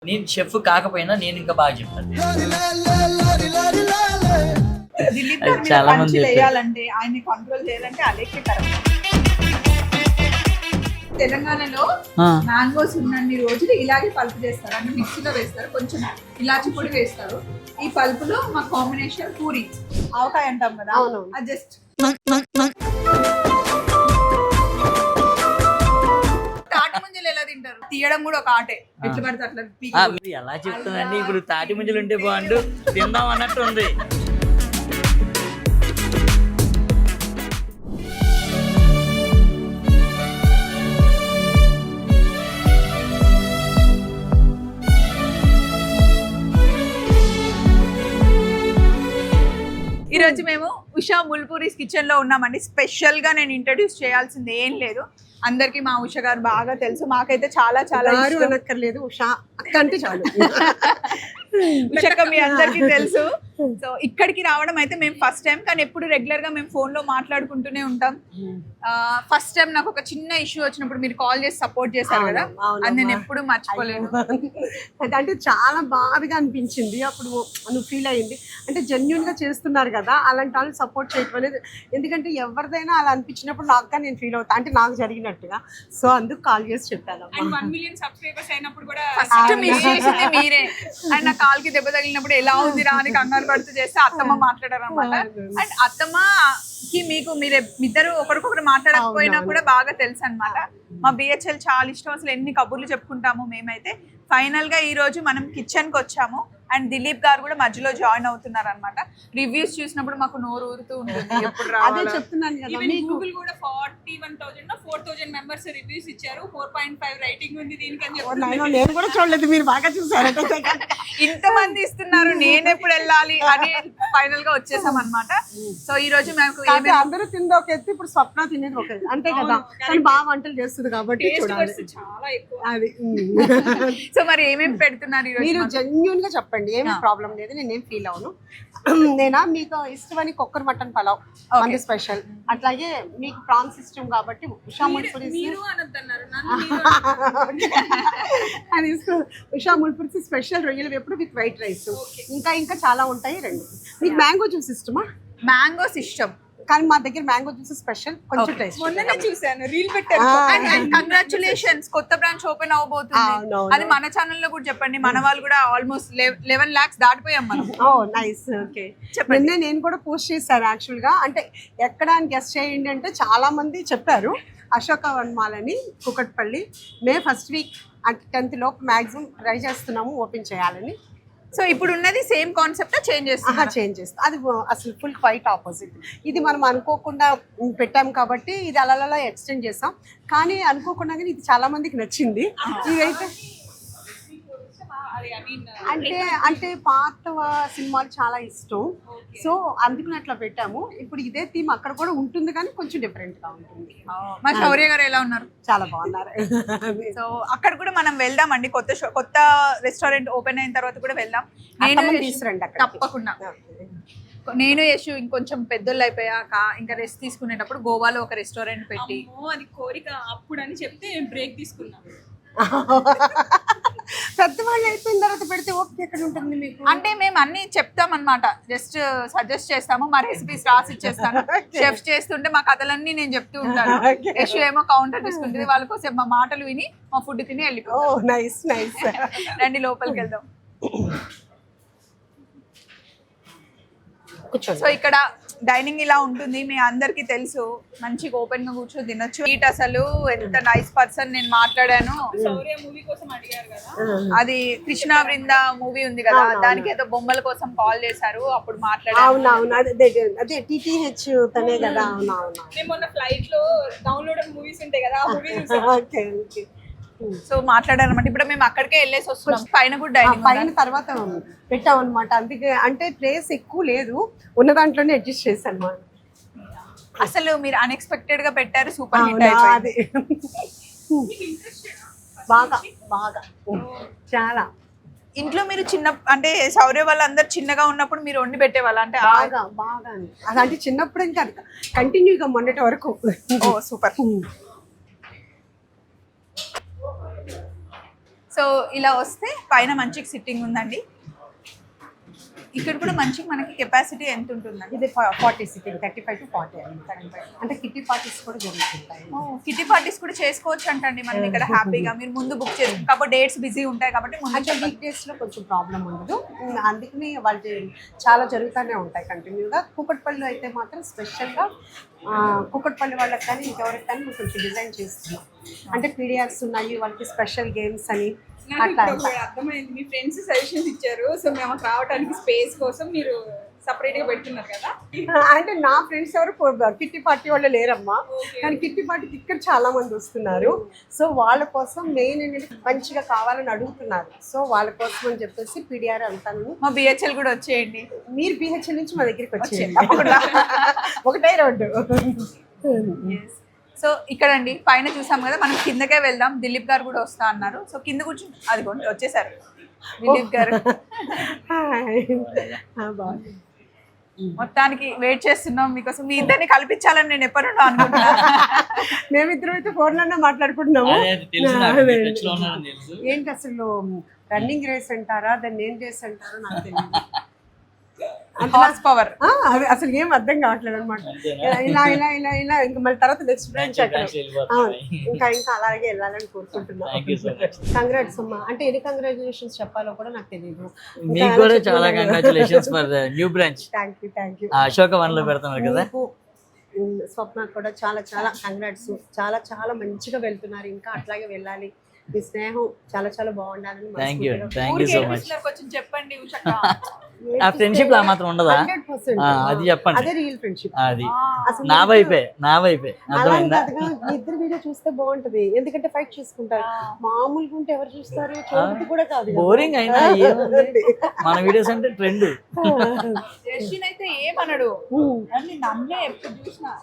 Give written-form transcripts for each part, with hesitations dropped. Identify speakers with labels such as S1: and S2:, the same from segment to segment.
S1: నేను షెఫ్ కాకపోయినా నేను ఇంకా బాగా చెప్తాను.
S2: దిలీప్
S1: అది
S2: గారి మీద
S1: చాలా మంది
S2: పంచులు
S1: చెప్పారు.
S2: వేయాలంటే ఆయన్ని కంట్రోల్ చేయాలంటే అలేఖ్య కరెక్ట్. తెలంగాణలో మ్యాంగోస్ ఉన్నన్ని రోజులు ఇలాగే పల్పు చేస్తారు, అంటే మిక్సీలో వేస్తారు, కొంచెం ఇలాచి పొడి వేస్తారు. ఈ పల్పులో మా కాంబినేషన్ పూరి ఆవకాయ అంటాం కదా, అది జస్ట్ తాటి ముంజలు ఎలా తింటారు, తీయడం కూడా ఒక ఆటే, ఎట్లా పడితే అట్లా
S1: మీరు ఎలా చెప్తానండి, ఇప్పుడు తాటి ముంజలు ఉంటే బాగుండు తిందాం అన్నట్టు ఉంది.
S2: ఈ రోజు మేము ఉషా ముల్పూరీస్ కిచెన్ లో ఉన్నామండి. స్పెషల్ గా నేను ఇంట్రడ్యూస్ చేయాల్సింది ఏం లేదు, అందరికి మా ఉష గారు బాగా తెలుసు, మాకైతే చాలా చాలా
S3: అనక్కర్లేదు, ఉషా అక్క అంటే చాలు.
S2: ఉషక్క మీ అందరికి తెలుసు. సో ఇక్కడికి రావడం అయితే మేము ఫస్ట్ టైం, కానీ ఎప్పుడు రెగ్యులర్ గా మేము ఫోన్ లో మాట్లాడుకుంటూనే ఉంటాం. ఫస్ట్ టైం నాకు ఒక చిన్న ఇష్యూ వచ్చినప్పుడు మీరు కాల్ చేసి సపోర్ట్ చేశారు కదా, అది నేను ఎప్పుడు మర్చిపోలేను.
S3: అంటే చాలా బాధగా అనిపించింది అప్పుడు, నువ్వు ఫీల్ అయ్యింది అంటే జెన్యున్ గా చేస్తున్నారు కదా, అలాంటి వాళ్ళు సపోర్ట్ చేయటం అనేది, ఎందుకంటే ఎవరిదైనా అలా అనిపించినప్పుడు నాకుగా నేను ఫీల్ అవుతా, అంటే నాకు జరిగినట్టుగా. సో అందుకు కాల్ చేసి చెప్పాను.
S2: 1 million సబ్స్క్రైబర్స్ అయినప్పుడు కూడా ఫస్ట్ మిస్ చేసింది మీరే. అండ్ నా కాల్ కి దెబ్బ తగిలినప్పుడు ఎలా ఉంది రా అని కంగారు పడుతూ చేస్తే అత్తమ్మ మాట్లాడారు అనమాట. అండ్ అత్తమ్మకి మీకు మీరే ఇద్దరు ఒకరికొకరు మాట్లాడకపోయినా కూడా బాగా తెలుసు అనమాట. మా బిహెచ్ఎల్ చాలా ఇష్టం, అసలు ఎన్ని కబుర్లు చెప్పుకుంటాము మేమైతే. ఫైనల్ గా ఈ రోజు మనం కిచెన్ కి వచ్చాము, అండ్ దిలీప్ గారు కూడా మధ్యలో జాయిన్ అవుతున్నారు అనమాట. రివ్యూస్ చూసినప్పుడు మాకు నోరు ఊరుతూ ఉంటుంది ఎప్పుడు
S3: అదే
S2: రావాలా.
S3: చెప్తున్నాను కదా మీకు.
S4: గూగుల్ కూడా 41,000 మెంబర్స్ రివ్యూస్ ఇచ్చారు, 4.5 రైటింగ్ ఉంది దీనికి అని చెప్పి.
S3: నేను కూడా చూడలేదు, మీరు బాగా చూసారు.
S2: ఇంతమంది ఇస్తున్నారు, నేను ఎప్పుడు వెళ్ళాలి అని ఫైనల్ గా వచ్చేసాం అనమాట. సో ఈ రోజు మేము
S3: కాకపోతే అందరూ తింది ఒక ఎత్తు, ఇప్పుడు స్వప్న తినేది ఒక ఎత్తు, అంతే కదా. కానీ బాగా వంటలు చేస్తుంది కాబట్టి చూడాలి
S4: చాలా ఎక్కువ.
S3: అది.
S2: సో మరి ఏమేమి పెడుతున్నారు ఈ రోజు?
S3: మీరు జెన్యున్ గా చెప్పండి, ఏమి ప్రాబ్లం లేదు, నేనేం ఫీల్ అవును. నేనా మీకు ఇష్టమని కొక్కర్ మటన్ పలావ్ మంది స్పెషల్, అట్లాగే మీకు ప్రాన్స్ ఇష్టం కాబట్టి ఉషా ముల్పూరీస్
S4: మీరు అనొద్దన్నారు, నన్ను మీరు
S3: అది ఉషా ముల్పూరీస్ స్పెషల్ రొయ్యలు ఎప్పుడు విత్ వైట్ రైస్, ఇంకా చాలా ఉంటాయి. రెండు మీకు మ్యాంగో జ్యూస్ ఇష్టమా?
S2: మ్యాంగోస్ ఇష్టం,
S3: కానీ మా దగ్గర మ్యాంగో జ్యూస్ స్పెషల్, కొంచెం టేస్ట్.
S4: మొన్ననే చూసాను, రీల్ పెట్టారు.
S2: కంగ్రాచులేషన్స్, కొత్త బ్రాంచ్ ఓపెన్ అవబోతుంది. అది మన ఛానల్ లో కూడా చెప్పండి, మన వాళ్ళు కూడా ఆల్మోస్ట్ 11 lakhs దాటిపోయాం మనం.
S3: Oh nice, okay. నిన్నే నేను కూడా పోస్ట్ చేశాను యాక్చువల్ గా, అంటే ఎక్కడ అని గెస్ట్ చేయండి అంటే చాలా మంది చెప్పారు. అశోక వన్మాల్ అని కుకట్పల్లి, మే ఫస్ట్ వీక్ అంటే 10th లోపు మ్యాక్సిమం ట్రై చేస్తున్నాము ఓపెన్ చేయాలని.
S2: సో ఇప్పుడు ఉన్నది సేమ్ కాన్సెప్ట్ చేంజ్
S3: చేంజ్ చేస్తాం, అది అసలు ఫుల్ క్వైట్ ఆపోజిట్. ఇది మనం అనుకోకుండా పెట్టాం కాబట్టి ఇది అలా ఎక్స్టెండ్ చేస్తాం, కానీ అనుకోకుండా కానీ ఇది చాలా మందికి నచ్చింది. ఇదైతే అంటే పాత సినిమాలు చాలా ఇష్టం, సో అందుకని అట్లా పెట్టాము. ఇప్పుడు ఇదే థీమ్ అక్కడ కూడా ఉంటుంది, కానీ కొంచెం డిఫరెంట్ గా ఉంటుంది.
S2: మా శౌర్య గారు ఎలా ఉన్నారు?
S3: చాలా బాగున్నారు.
S2: సో అక్కడ కూడా మనం వెళ్దామండి, కొత్త రెస్టారెంట్ ఓపెన్ అయిన తర్వాత కూడా వెళ్దాం. నేను
S3: తీసుకురండి అక్కడ
S2: తప్పకుండా. నేను యశు ఇంకొంచెం పెద్దోళ్ళు అయిపోయాక ఇంకా రెస్ట్ తీసుకునేటప్పుడు గోవాలో ఒక రెస్టారెంట్ పెట్టి,
S4: అది కోరిక అప్పుడు అని చెప్తే బ్రేక్ తీసుకున్నాం.
S3: పెద్దవాళ్ళు అయిపోయిన తర్వాత పెడితే ఓపిక ఎక్కడ ఉంటుంది మీకు?
S2: అంటే మేము అన్ని చెప్తాం అనమాట, జస్ట్ సజెస్ట్ చేస్తాము, మా రెసిపీస్ రాసి ఇచ్చేస్తాను. షెఫ్స్ చేస్తుంటే మా కథలన్నీ నేను చెప్తూ ఉంటాను, యశు ఏమో కౌంటర్ తీసుకుంటుంది, వాళ్ళ కోసం మా మాటలు విని మా ఫుడ్ తిని వెళ్ళిపో.
S3: Nice nice.
S2: రండి లోపలికి వెళ్దాం. సో ఇక్కడ డైనింగ్ ఇలా ఉంటుంది, మీ అందరికి తెలుసు. మంచిగా ఓపెన్ గా కూర్చొని తినొచ్చు. ఈట్ అసలు ఎంత నైస్ పర్సన్, నేను మాట్లాడాను.
S4: శౌర్య మూవీ కోసం అడిగారు కదా,
S2: అది కృష్ణ బృంద మూవీ ఉంది కదా, దానికి ఏదో బొమ్మల కోసం కాల్ చేశారు, అప్పుడు మాట్లాడాను.
S3: అవునవును, అదే టీటీహెచ్ తనే కదా. అవునవును,
S4: నేను మొన్న ఫ్లైట్ లో డౌన్లోడ్ మూవీస్ ఉంటాయి కదా, ఆ మూవీ చూసాను.
S3: Okay okay.
S2: సో మాట్లాడారన్నమాట. ఇప్పుడు మేము అక్కడికే వెళ్ళేసి వస్తున్నాం. పైన కూడా డైనింగ్
S3: పైన తర్వాత పెట్టాం అనమాట, అందుకే అంటే ప్లేస్ ఎక్కువ లేదు, ఉన్న దాంట్లోనే అడ్జస్ట్ చేశాను అనమాట.
S2: అసలు మీరు అన్ఎక్స్పెక్టెడ్ గా పెట్టారు, సూపర్ హిట్ అయిపోయింది.
S3: బాగా బాగా చాలా.
S2: ఇంట్లో మీరు చిన్న అంటే శౌర్య వాళ్ళందరూ చిన్నగా ఉన్నప్పుడు మీరు వండి పెట్టేవాళ్ళ? అంటే
S3: బాగా బాగా అదంటే చిన్నప్పుడు ఇంకా కంటిన్యూగా మొన్నటి వరకు.
S2: ఓ సూపర్. సో సో ఇలా వస్తే పైన మంచిగా సిట్టింగ్ ఉందండి. ఇక్కడ కూడా మంచిగా మనకి కెపాసిటీ ఎంత ఉంటుందండి?
S3: ఇది 40 సిట్టింగ్, 35 to 40 అంటే కిట్టి పార్టీస్ కూడా జరుగుతుంటాయి.
S2: కిటీ పార్టీస్ కూడా చేసుకోవచ్చు అంటండి మనం ఇక్కడ హ్యాపీగా. మీరు ముందు బుక్ చేసుకుంటారు కాబట్టి డేట్స్ బిజీ ఉంటాయి కాబట్టి ముందు
S3: అంటే వీక్ డేస్లో కొంచెం ప్రాబ్లం ఉండదు, అందుకని వాళ్ళు చాలా జరుగుతూనే ఉంటాయి కంటిన్యూగా. కూకట్పల్లి అయితే మాత్రం స్పెషల్గా కూకట్పల్లి వాళ్ళకి కానీ ఇంకెవరికి కానీ మేము కొంచెం డిజైన్ చేస్తున్నాం. అంటే పీడియాక్స్ ఉన్నాయి వాళ్ళకి, స్పెషల్ గేమ్స్ అని
S4: నాకు ఇప్పుడు ఒకటి అర్థమైంది, మీ ఫ్రెండ్స్ సజెషన్స్ ఇచ్చారు. సో మేము అక్కడ రావడానికి స్పేస్ కోసం మీరు సపరేట్ గా పెడుతున్నారు కదా.
S3: అంటే నా ఫ్రెండ్స్ ఎవరు కిట్టి పార్టీ వాళ్ళు లేరమ్మా, కానీ కిట్టి పార్టీకి ఇక్కడ చాలా మంది వస్తున్నారు. సో వాళ్ళ కోసం మెయిన్ ఏంటంటే మంచిగా కావాలని అడుగుతున్నారు. సో వాళ్ళ కోసం అని చెప్పేసి పీడిఆర్ అంతాను.
S2: మా బిహెచ్ఎల్ కూడా వచ్చేయండి.
S3: మీరు బిహెచ్ఎల్ నుంచి మా దగ్గరికి వచ్చేయండి, ఒకటే రోడ్డు.
S2: సో ఇక్కడ అండి పైన చూసాం కదా, మనం కిందకే వెళ్దాం. దిలీప్ గారు కూడా వస్తా అన్నారు. సో కింద కూర్చుని అదిగోండి వచ్చేసారు దిలీప్ గారు.
S3: బాగుంది.
S2: మొత్తానికి వెయిట్ చేస్తున్నాం మీకోసం. మీ ఇద్దరిని కల్పించాలని నేను ఎప్పటినో అనుకుంటున్నాను.
S3: మేమిద్దరం అయితే ఫోన్లోనే మాట్లాడుకుంటున్నాము.
S1: తెలుసు.
S3: ఏంటి అసలు రన్నింగ్ రేస్ అంటారా, దాన్ని ఏం రేస్ అంటారో నాకు తెలియదు.
S2: హార్స్ పవర్
S3: అది అసలు ఏం అర్థం కావట్లేదు అనమాట. ఇలా ఇలా ఇలా ఇలా ఇంకా మళ్ళీ తర్వాత నెక్స్ట్ బ్రాంచ్ అక్కడ. ఇంకా ఇంకా అలాగే వెళ్ళాలని కోరుకుంటున్నాను. కంగ్రాట్స్ అమ్మా. అంటే ఎన్ని కంగ్రాచులేషన్స్ చెప్పాలో కూడా నాకు తెలియదు.
S1: మీకు కూడా చాలా congratulations for new branch.
S3: Thank you.
S1: Ashoka one లో పెడుతున్నారు కదా.
S3: స్వప్న కూడా చాలా చాలా కంగ్రాట్స్. చాలా చాలా మంచిగా వెళ్తున్నారు, ఇంకా అట్లాగే వెళ్ళాలి. మీ స్నేహం చాలా చాలా బాగుండాలని.
S1: Thank you so much.
S2: కొంచెం చెప్పండి ఉషక్క.
S1: ఆ ఫ్రెండ్షిప్ లా మాత్రం ఉండదా?
S3: 100%.
S1: అది చెప్పండి.
S3: అదే రియల్ ఫ్రెండ్షిప్.
S1: అది నా వైపే అర్థమైందా?
S3: ఇద్దరు వీడియో చూస్తే బాగుంటది, ఎందుకంటే ఫైట్ చేసుకుంటారు. మామూలుగా ఉంటే ఎవరు చూస్తారు? చూడదు కూడా కాదు.
S1: బోరింగ్ అయినా ఏముంది, మన వీడియోస్ అంటే ట్రెండ్.
S2: యశ్విన్ అయితే ఏమనడు, నన్నే ఎప్పుడు చూసినా.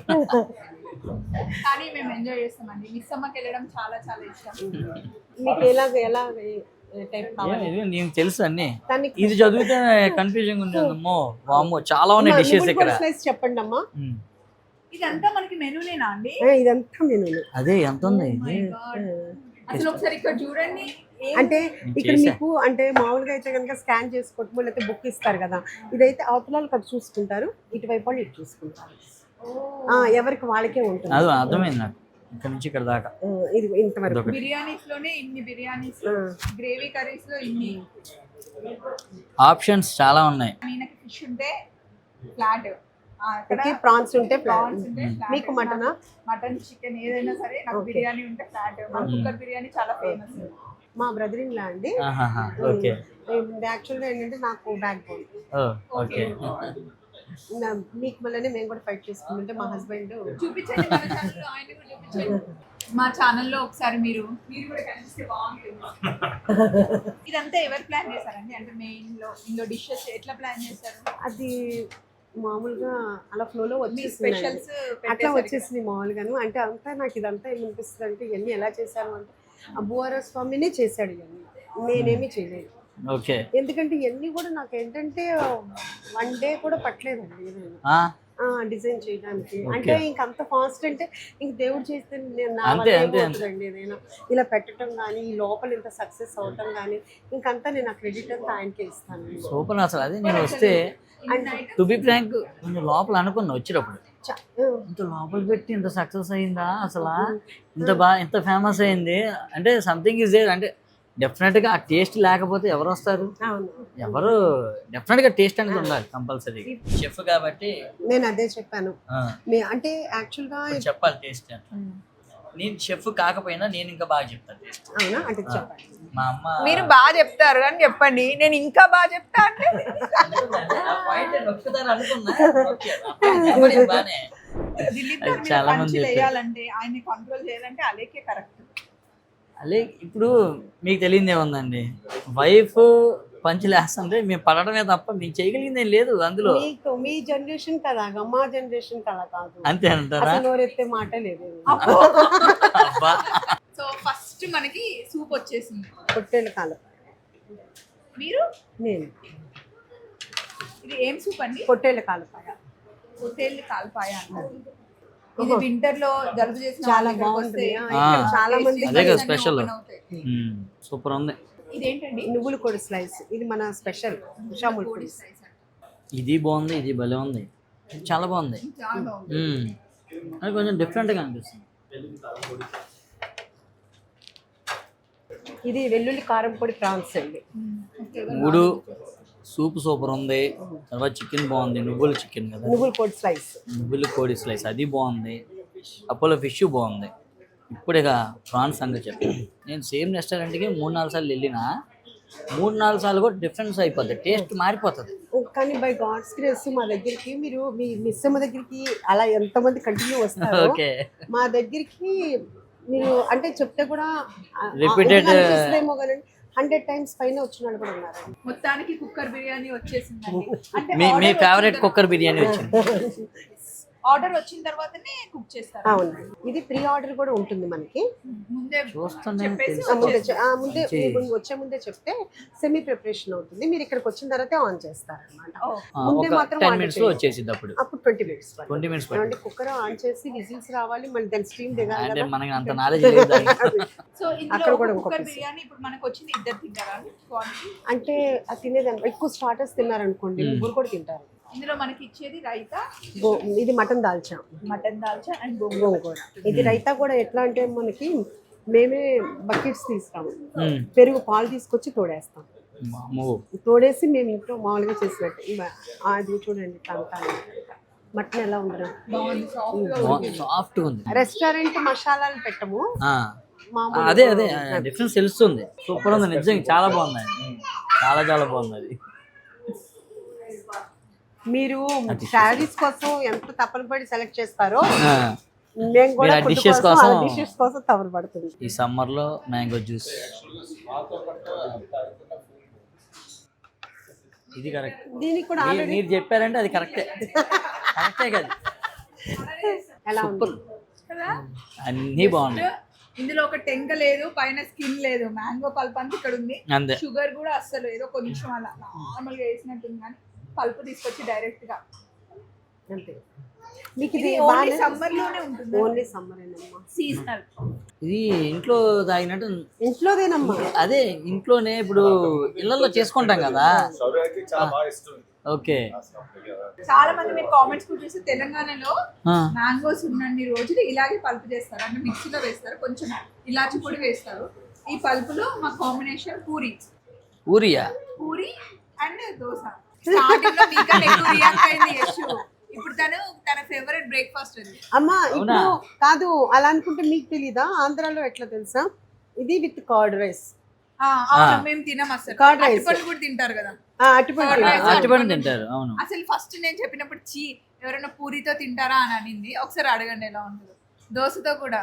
S2: కానీ మేము ఎంజాయ్ చేస్తామండి. మిస్ అమ్మకి వెళ్ళడం చాలా చాలా ఇష్టం.
S3: మీకు ఎలా టైప్ కావాలి?
S1: నీకు తెలుసు అన్ని. ఇది చదివితే కన్ఫ్యూజన్ ఉండేదమ్మో. వామ్మో చాలా ఉన్నాయి డిషెస్ ఇక్కడ.
S3: చెప్పండి అమ్మా.
S2: ఇదంతా మనకి మెనూనేనా అండి?
S3: ఇదంతా మెనూనే.
S1: అదే ఎంత ఉంది
S2: అసలు ఒకసారి ఇక్కడ చూడండి.
S3: అంటే ఇక్కడ మీకు అంటే మామూలుగా అయితే కనుక స్కాన్ చేసుకోవటం లేకపోతే బుక్ ఇస్తారు కదా. ఇదైతే అవతలాలు ఇక్కడ చూసుకుంటారు, ఇటువైపు వాళ్ళు ఇటు చూసుకుంటారు. ఎవరికి వాళ్ళకే ఉంటుంది.
S1: అది అర్థమైంది నాకు. ఇక్కడ నుంచి ఇక్కడ దాకా
S3: ఇది ఇంతవరకు.
S2: బిర్యానీస్ లోనే ఇన్ని బిర్యానీస్, గ్రేవీ కర్రీస్ లో ఇన్ని
S1: ఆప్షన్స్ చాలా ఉన్నాయి.
S2: ఈయనకి ఫిష్ ఉంటే ఫ్లాట్,
S3: ప్రాన్స్ ఉంటే
S2: ప్రాన్స్ ఉంటే
S3: మీకు మటనా,
S2: మటన్ చికెన్ ఏదైనా సరే. నాకు బిర్యానీ ఉంటే ఫ్లాట్. మా కుక్కర్ బిర్యానీ చాలా ఫేమస్.
S3: మా బ్రదర్ ఇన్ లా అండి.
S1: ఓకే.
S3: యాక్చువల్గా ఏంటంటే నాకు బ్యాక్ బోన్.
S1: ఓకే.
S3: మీకు మళ్ళీ మేము కూడా ఫైట్ చేసుకుంటుంటే మా హస్బెండ్
S2: చూపించండి మన ఛానల్లో, ఆయన కూడా చూపించండి. మా ఛానల్లో ఒకసారి మీరు కూడా కనిపిస్తే బాగుంటుంది. ఇదంతా ఎవరు ప్లాన్ చేశారండి? అంటే మెయిన్ లో ఇందులో డిషెస్ ఎట్లా ప్లాన్ చేశారు?
S3: అది మామూలుగా అలా ఫ్లోలో వచ్చి
S2: స్పెషల్స్
S3: అట్లా వచ్చేసింది మామూలుగాను. అంటే అంతా నాకు ఇదంతా ఏమనిపిస్తుంది అంటే ఇవన్నీ ఎలా చేశాను అంటే అబ్బువార స్వామినే చేశాడు ఇవన్నీ, నేనేమి చేయలేదు.
S1: ఓకే.
S3: ఎందుకంటే ఇవన్నీ కూడా నాకు ఏంటంటే 1 డే కూడా పట్టలేదండి డిజైన్ చేయడానికి. అంటే ఇంకంత ఫాస్ట్ అంటే ఇంక దేవుడు చేస్తే అవుతుందండి. నేను ఇలా పెట్టడం కానీ ఈ లోపల ఇంత సక్సెస్ అవటం కానీ ఇంకంతా నేను ఆ క్రెడిట్ అంతా ఆయనకే ఇస్తాను.
S1: సూపర్. అసలు అదే నేను వస్తే టు బి ఫ్రాంక్ కొంచెం లోపల అనుకున్నా వచ్చేటప్పుడు, ఇంత లోపల పెట్టి ఇంత సక్సెస్ అయిందా అసలు, ఇంత ఫేమస్ అయింది అంటే సంథింగ్ ఇస్ దేర్. అంటే డెఫినెట్ గా ఆ టేస్ట్ లేకపోతే ఎవరు వస్తారు? ఎవరు డెఫినెట్ గా టేస్ట్ అనేది ఉండాలి కంపల్సరీ. షెఫ్ కాబట్టి
S3: నేను అదే చెప్పాను. అంటే యాక్చువల్ గా
S1: చెప్పాలి టేస్ట్. నేను షెఫ్ కాకపోయినా నేను ఇంకా బాగా చెప్తాను టేస్ట్.
S3: అవునా? అంటే చెప్పండి.
S1: మా అమ్మ
S2: మీరు బాగా చెప్తారు అని చెప్పండి, నేను ఇంకా బాగా చెప్తా అంటే
S1: చాలా మంది
S2: చేయాలంటే ఆయన్ని కంట్రోల్ చేయాలంటే అలాగే కరెక్ట్.
S1: అలే ఇప్పుడు మీకు తెలియదు ఏముందండి, వైఫ్ పంచులేస్తుంటే మేము పడడమే తప్ప మీకు చేయగలిగింది ఏం లేదు అందులో.
S3: మీ జనరేషన్ కదా, మా జనరేషన్ కదా కాదు.
S1: అంతే అంటారా?
S3: నోరెత్తే మాట లేదు.
S2: సో ఫస్ట్ మనకి సూప్ వచ్చేసింది.
S3: పొట్టేలు కాలపాయ.
S2: మీరు?
S3: నేను.
S2: ఇది ఏం సూప్ అండి?
S3: పొట్టేలు కాలపాయ.
S2: పొట్టేలు కాలపాయ అంటారు. ఇది వింటర్ లో జలుబు చేసిన
S3: చాలా
S2: వాళ్ళకి
S3: బాగుంటుంది
S2: వస్తే
S3: ఇక్కడ చాలా మంది
S1: అదే కదా
S2: అన్నీ
S1: స్పెషల్.
S2: open అవుతాయి.
S1: సూపర్ ఉంది.
S2: ఇదేంటండి
S3: నువ్వులు కూడా స్లైస్, ఇది మన స్పెషల్ ఉషాముల్
S2: కోడి
S3: పూరి.
S2: slice అంట.
S1: ఇది బాగుంది, ఇది భలే ఉంది, చాలా బాగుంది.
S2: చాలా బాగుంది.
S1: అది కొంచెం డిఫరెంట్గా అనిపిస్తుంది.
S3: ఇది వెల్లుల్లి కారం పొడి ప్రాన్స్ అండి.
S1: మూడు సూప్ సూపర్ ఉంది. తర్వాత చికెన్ బాగుంది, నువ్వుల చికెన్ కదా,
S3: నువ్వుల పొడి స్లైస్.
S1: నువ్వుల కోడి స్లైస్ అది బాగుంది. అపోలో ఫిష్ బాగుంది. ఇప్పుడు ఇక ప్రాన్స్ సంగతి చెప్పాను. నేను సేమ్ రెస్టారెంట్కి 3-4 సార్లు వెళ్ళినా 3-4 సార్లు కూడా డిఫరెన్స్ అయిపోద్ది, టేస్ట్ మారిపోతుంది.
S3: కానీ బై గాడ్స్ గ్రేస్ మా దగ్గరికి మీరు మీ మిస్సమ్మ దగ్గరికి అలా ఎంతమంది కంటిన్యూ వస్తారు,
S1: ఓకే
S3: మా దగ్గరికి మీరు అంటే చెప్తే కూడా
S1: Repeated-
S3: అనిపిస్తుందేమో కానీ 100 times పైన వచ్చిన వాళ్ళు కూడా ఉన్నారు.
S2: మొత్తానికి కుక్కర్ బిర్యానీ వచ్చేసిందండి. అంటే
S1: మీ
S2: order
S1: ఫేవరెట్
S2: వచ్చిన
S1: కుక్కర్ బిర్యానీ వచ్చింది.
S2: ఆర్డర్ వచ్చిన తర్వాతనే కుక్ చేస్తారు.
S3: అవునండి, ఇది ప్రీ ఆర్డర్ కూడా ఉంటుంది మనకి.
S2: ముందే
S1: చూస్తుంటే
S2: చెప్పేసి
S3: ముందే వచ్చే ముందే చెప్తే సెమీ ప్రిపరేషన్ అవుతుంది. మీరు ఇక్కడికి వచ్చిన తర్వాతే ఆన్ చేస్తారనమాట. ముందే
S1: ఒక
S3: మాత్రం
S1: 10 minutes లో వచ్చేసింది. అప్పుడు
S3: అప్పుడు 20 minutes
S1: 20 minutes పడుతుంది.
S3: అంటే కుక్కర్ ఆన్ చేసి విజిల్స్ రావాలి, మళ్ళీ దాని స్టీమ్ దిగాలి
S1: అంటే
S3: కదా.
S1: మనకి అంత నాలెడ్జ్ లేదు దానికి.
S2: సో ఇందులో
S3: అక్కడ కూడా ఇంకో
S2: కుక్కర్
S3: piece.
S2: బిర్యానీ ఇప్పుడు మనకు వచ్చింది ఇద్దరు తింటారా క్వాంటిటీ?
S3: అంటే అది తినేదాన్ని ఎక్కువ స్టార్టర్స్ తిన్నారనుకోండి, ముగ్గురు కూడా తింటారు.
S2: ఇందులో మనకి ఇచ్చేది రైతా,
S3: ఇది mutton dalcha,
S2: mutton dalcha and
S3: గోంగూర. ఇది రైతా కూడా ఎట్లా అంటే మనకి మేమే బకెట్స్ తీస్తాము,
S1: మ్మ్.
S3: పెరుగు పాలు తీసుకొచ్చి తోడేస్తాం.
S1: అమ్మో.
S3: తోడేసి మేము ఇంట్లో మామూలుగా చేసినట్టు అది చూడండి మటన్ ఎలా ఉండదు.
S2: బాగుంది
S1: సాఫ్ట్ ఉంది.
S3: రెస్టారెంట్ మసాలాలు పెట్టము,
S1: ఆ,
S3: మామూలు
S1: అదే డిఫరెన్స్ తెలుస్తుంది. సూపర్ ఉంది నిజంగా, చాలా బాగుంది అది. చాలా చాలా బాగుంది అది.
S3: మీరు శారీస్ కోసం ఎంత తపన పడి సెలెక్ట్ చేస్తారో
S1: ఆ,
S3: మేము కూడా
S1: మీరు ఆ dishes కోసం-
S3: డిషెస్ కోసం తపన పడుతుంది.
S1: ఈ సమ్మర్ లో మ్యాంగో జ్యూస్ ఇది కరెక్ట్.
S3: దీనికి కూడా ఆల్రెడీ
S1: మీరు చెప్పారంటే అది కరెక్టే. కరెక్టే కదా,
S3: ఎలా ఉంది
S2: కదా.
S1: అన్నీ బాగున్నాయి.
S2: ఇందులో ఒక టెంక లేదు, పైన స్కిన్ లేదు, మ్యాంగో పల్ప్ అంతా ఇక్కడ ఉంది.
S1: అంతే.
S2: షుగర్ కూడా అస్సలు ఏదో కొంచెం అలా నార్మల్ గా వేసినట్టుంది, కానీ పల్ప్ తీసుకొచ్చి డైరెక్ట్ గా.
S3: అంతే. మీకు ఇది
S2: ఇది ఓన్లీ సమ్మర్ లోనే ఉంటుంది,
S3: ఓన్లీ సమ్మర్ ఏనమ్మా,
S2: సీజనల్.
S1: ఇది ఇంట్లో తాగినట్టు.
S3: ఇంట్లోదేనమ్మా.
S1: అదే ఇంట్లోనే ఇప్పుడు ఇళ్ళల్లో చేసుకుంటాం కదా. ఓకే.
S2: చాలా మంది మీరు కామెంట్స్ కూడా చూసి తెలంగాణలో
S1: ఆ,
S2: మ్యాంగోస్ ఉన్నన్ని రోజులు ఇలాగే పల్ప్ చేస్తారు, అంటే మిక్సీలో వేస్తారు, కొంచెం ఇలాచి పొడి వేస్తారు. ఈ పల్పులో మా కాంబినేషన్ పూరి,
S1: ఊరియా.
S2: పూరి అండ్ దోశ. స్టార్టింగ్ లో మీకన్నా ఎక్కువ రియాక్ట్ అయింది యశు. ఇప్పుడు తన ఫేవరెట్ బ్రేక్ఫాస్ట్ అది.
S3: అమ్మా ఇప్పుడు కాదు అలా అనుకుంటే మీకు తెలీదా, ఆంధ్రాలో ఎట్లా తెలుసా, ఇది విత్ కర్డ్ రైస్.
S2: అవును, మేము తినం అసలు.
S3: Curd rice.
S2: అరటిపండు కూడా తింటారు కదా.
S3: అటుపడి
S1: అరటిపండు తింటారు. అవును.
S2: అసలు ఫస్ట్ నేను చెప్పినప్పుడు ఎవరైనా పూరితో తింటారా అని అనింది. ఒకసారి అడగండి ఎలా ఉంటుందో. దోశతో కూడా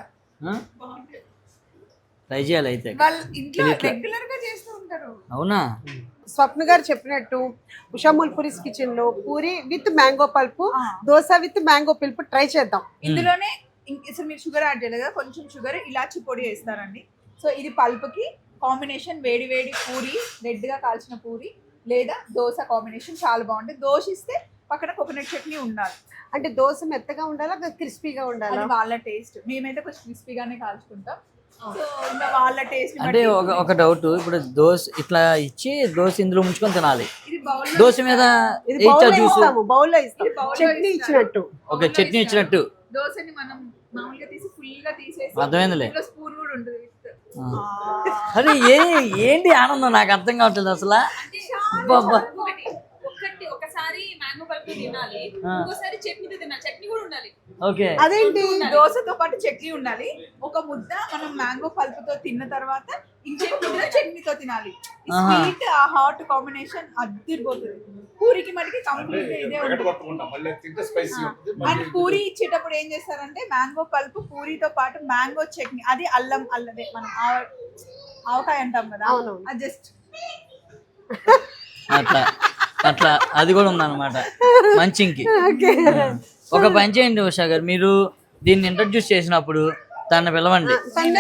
S1: ట్రై చేయాలి అయితే.
S2: వాళ్ళు ఇంట్లో రెగ్యులర్ గా చేస్తూ ఉంటారు.
S1: అవునా.
S3: స్వప్న గారు చెప్పినట్టు ఉషాముల్ పూరీస్ కిచెన్ లో puri with mango pulp, dosa with mango pulp try చేద్దాం.
S2: ఇందులోనే అసలు మీరు షుగర్ యాడ్ చేయలేదు కదా, కొంచెం షుగర్ ఇలాచి పొడి వేస్తారండి. సో ఇది పల్పుకి కాంబినేషన్, వేడి వేడి పూరి, రెడ్ గా కాల్చిన పూరి లేదా దోశ కాంబినేషన్ చాలా బాగుంటుంది. దోశ ఇస్తే పక్కన కోకోనట్ చట్నీ ఉండాలి.
S3: అంటే దోశ మెత్తగా ఉండాలా క్రిస్పీగా ఉండాలా?
S2: అది వాళ్ళ టేస్ట్. మేమైతే కొంచెం క్రిస్పీగానే కాల్చుకుంటాం. సో ఇంకా వాళ్ళ టేస్ట్.
S1: అంటే ఒక డౌట్, ఇప్పుడు దోశ ఇట్లా ఇచ్చి దోశ ఇందులో ముంచుకొని తినాలి.
S2: ఇది బౌల్
S1: దోశ మీద
S3: ఇది
S1: వేయించా
S3: బౌల్లో
S1: జ్యూస్.
S3: ఇస్తాము, బౌల్లో ఇస్తాం,
S2: ఇది బౌల్లో
S3: చట్నీ
S2: ఇస్తారు.
S3: ఇచ్చినట్టు.
S1: ఓకే, చట్నీ ఇచ్చినట్టు.
S2: దోశని మనం మామూలుగా తీసి ఫుల్ గా తీసేసి
S1: అర్థమైందిలే.
S2: స్పూన్ కూడా ఉంటుంది.
S1: అరే ఏంటి ఆనందం, నాకు అర్థం కావట్లేదు అసలు. అబ్బబ్బా.
S4: ఒకసారి మ్యాంగో పల్ప్ తినాలి, ఇంకోసారి చట్నీతో తినాలి, చట్నీ కూడా ఉండాలి.
S1: ఓకే.
S3: అదేంటి
S2: దోశతో పాటు చట్నీ ఉండాలి. ఒక ముద్ద మనం మ్యాంగో పల్పుతో తిన్న తర్వాత ఇంకొక ముద్ద చట్నీతో తినాలి. స్వీట్ ఆ హాట్ కాంబినేషన్ అదిరిపోతుంది. పూరికి మటుకి కంప్లీట్ ఇదే ఉంటుంది. అండ్ పూరి ఇచ్చేటప్పుడు ఏం చేస్తారంటే మ్యాంగో పల్పు పూరితో పాటు మ్యాంగో చట్నీ, అది అల్లదే మనం ఆవకాయ అంటాం కదా,
S3: అవునవును.
S2: అది జస్ట్
S1: అట్లా అది కూడా ఉందన్నమాట మంచింగ్కి. ఒక పని చేయండి ఉషా గారు, మీరు దీన్ని ఇంట్రడ్యూస్ చేసినప్పుడు తను పిలవండి,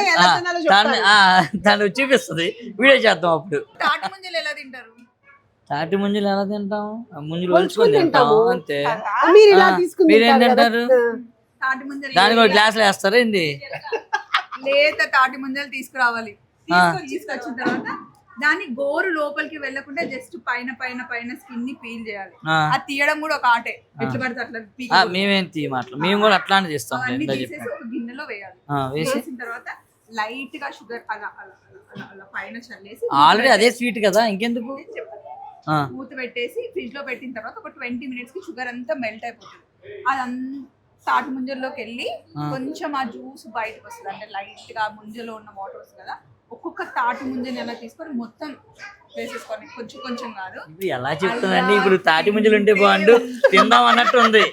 S1: తను చూపిస్తుంది, వీడియో చేద్దాం. అప్పుడు
S2: తాటి ముంజలు ఎలా తింటారు?
S1: తాటి ముంజలు ఎలా తింటాం? ముంజలు వలుచుకొని తింటాం అంతే.
S3: మీరు ఇలా తీసుకుని
S1: మీరేం
S3: తింటారు కదా.
S1: తింటారు?
S2: తాటి ముంజలు
S1: దానికి ఒక గ్లాసులు వేస్తారా ఏంది?
S2: లేత తాటి ముంజలు తీసుకురావాలి. తీసుకొచ్చిన తర్వాత దాన్ని గోరు లోపలికి వెళ్ళకుండా జస్ట్ పైన పైన పైన స్కిన్ ని పీల్ చేయాలి. అది తీయడం కూడా ఒక ఆటే. ఎట్లా పడితే అట్లా
S1: మేమేం తీయమాటలు, మేము కూడా అట్లానే చేస్తాం.
S2: అన్ని తీసేసి ఒక గిన్నెలో వేయాలి. వేసిన తర్వాత లైట్ గా షుగర్ అలా అలా అలా అలా పైన చల్లేసి
S1: ఆల్రెడీ అదే స్వీట్ కదా ఇంకెందుకు.
S2: మూత పెట్టేసి ఫ్రిడ్జ్ లో పెట్టిన తర్వాత ఒక 20 minutes కి షుగర్ అంతా మెల్ట్ అయిపోతుంది. అదంతా తాటి ముంజల్లోకి వెళ్ళి కొంచెం ఆ జ్యూస్ బయటకు వస్తుంది. అంటే లైట్ గా ముంజలో ఉన్న వాటర్ వస్తుంది కదా, ఒక్కొక్క తాటి ముంజని ఎలా తీసుకొని మొత్తం వేసేసుకోండి. కొంచెం కొంచెం కాదు.
S1: ఇప్పుడు ఎలా చెప్తుందండి, ఇప్పుడు తాటి ముంజలు ఉంటే బాగుండు తిందాం అన్నట్టు ఉంది.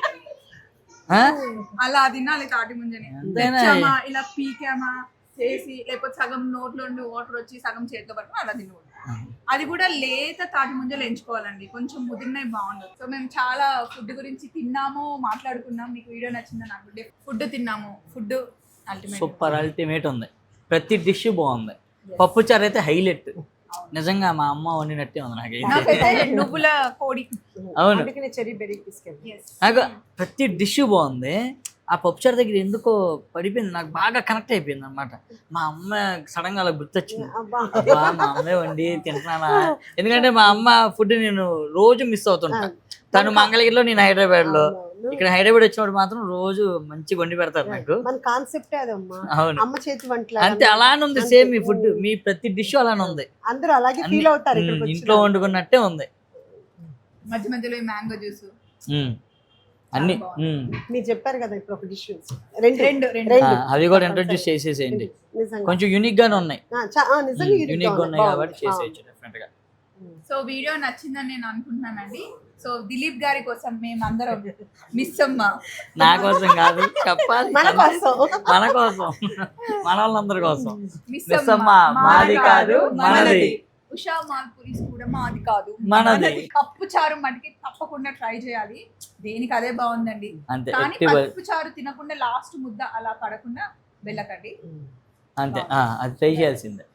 S2: అలా తినాలి తాటి ముంజని. ఇలా పీకామా చేసి, లేకపోతే సగం నోట్లో ఉండి వాటర్ వచ్చి సగం చేతిలో పట్టుకుని అలా తినకూడదు. అది కూడా లేత తాటి ముంజలు ఎంచుకోవాలండి, కొంచెం ముదిరినవి బాగుండదు. సో మేము చాలా ఫుడ్ గురించి తిన్నాము, మాట్లాడుకున్నాం. మీకు వీడియో నచ్చిందని అనుకుంటే ఫుడ్ తిన్నాము. ఫుడ్
S1: సూపర్ అల్టిమేట్ ఉంది, ప్రతి డిష్ బాగుంది. పప్పు చారు అయితే హైలైట్, నిజంగా మా అమ్మ వండినట్టే ఉంది నాకైతే.
S2: నువ్వుల కోడి.
S1: అవును,
S3: చెరీ బెర్రీ బిస్కెట్.
S1: నాకు ప్రతి డిష్ బాగుంది. ఆ పప్పుచారు దగ్గర ఎందుకో పడిపోయింది, నాకు బాగా కనెక్ట్ అయిపోయింది అనమాట. మా అమ్మ సడన్ గా అలా గుర్తొచ్చింది, అబ్బా మా అమ్మే వండి తింటున్నానా. ఎందుకంటే మా అమ్మ ఫుడ్ నేను రోజు మిస్ అవుతుంటా. తను మంగళగిరిలో, నేను హైదరాబాద్ లో. ఇక్కడ హైదరాబాద్ వచ్చినప్పుడు మాత్రం రోజు మంచిగా వండి పెడతారు నాకు. అవును,
S3: అమ్మ చేతి వంటలు
S1: అంతే అలానే ఉంది. సేమ్ మీ ఫుడ్, మీ ప్రతి డిష్ అలానే ఉంది.
S3: అందరూ అలాగే ఫీల్ అవుతారు.
S1: ఇంట్లో వండుకున్నట్టే ఉంది.
S2: మధ్య మధ్యలో మ్యాంగో జ్యూస్
S1: అన్ని
S3: మీరు చెప్పారు కదా ఇప్పుడు ఒక డిష్
S2: రెండు
S1: అవి కూడా ఇంట్రొడ్యూస్ చేసేసేయండి. కొంచెం యూనిక్ గానే ఉన్నాయి, యూనిక్ గా ఉన్నాయి కాబట్టి చేసేయచ్చు డిఫరెంట్ గా.
S2: సో వీడియో నచ్చిందని నేను అనుకుంటున్నానండి. సో దిలీప్ గారి కోసం మేము అందరం మిస్ అమ్మ,
S1: నా కోసం కాదు చెప్పాలి,
S3: మన కోసం,
S1: మన కోసం, మన వాళ్ళందరి కోసం.
S2: మిస్
S1: మిస్ అమ్మ మాది కాదు మనది,
S2: ఉషా మాల్పురీస్ కూడా మాది కాదు
S1: మనది.
S2: పప్పు చారు మటుకి తప్పకుండా ట్రై చేయాలి, దేనికి అదే బాగుందండి.
S1: అంతే,
S2: కానీ పప్పు చారు తినకుండా లాస్ట్ ముద్ద అలా పడకుండా వెళ్ళకండి.
S1: అంతే, అది ట్రై చేయాల్సిందే.